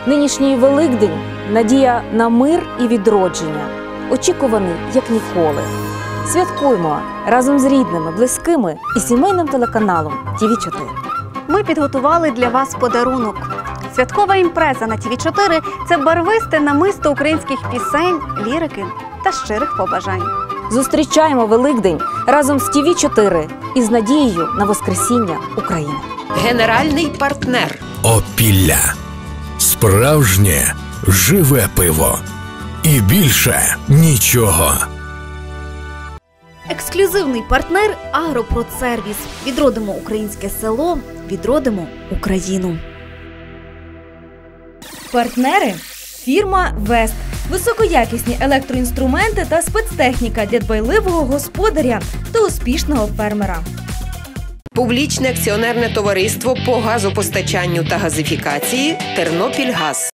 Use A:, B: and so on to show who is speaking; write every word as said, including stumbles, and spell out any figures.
A: Нинішній Великдень – надія на мир і відродження, очікуваний як ніколи. Святкуємо разом з рідними, близькими і сімейним телеканалом Ті Ві чотири.
B: Ми підготували для вас подарунок. Святкова імпреза на Ті Ві чотири – це барвисте намисто українських пісень, лірики та щирих побажань.
A: Зустрічаємо Великдень разом з Ті Ві чотири і з надією на воскресіння України.
C: Генеральний партнер.
D: Опілля. Справжнє живе пиво. І більше нічого.
B: Ексклюзивний партнер «Агропродсервіс». Відродимо українське село, відродимо Україну.
E: Партнери – фірма «Вест». Високоякісні електроінструменти та спецтехніка для дбайливого господаря та успішного фермера.
C: Публічне акціонерне товариство по газопостачанню та газифікації «Тернопільгаз».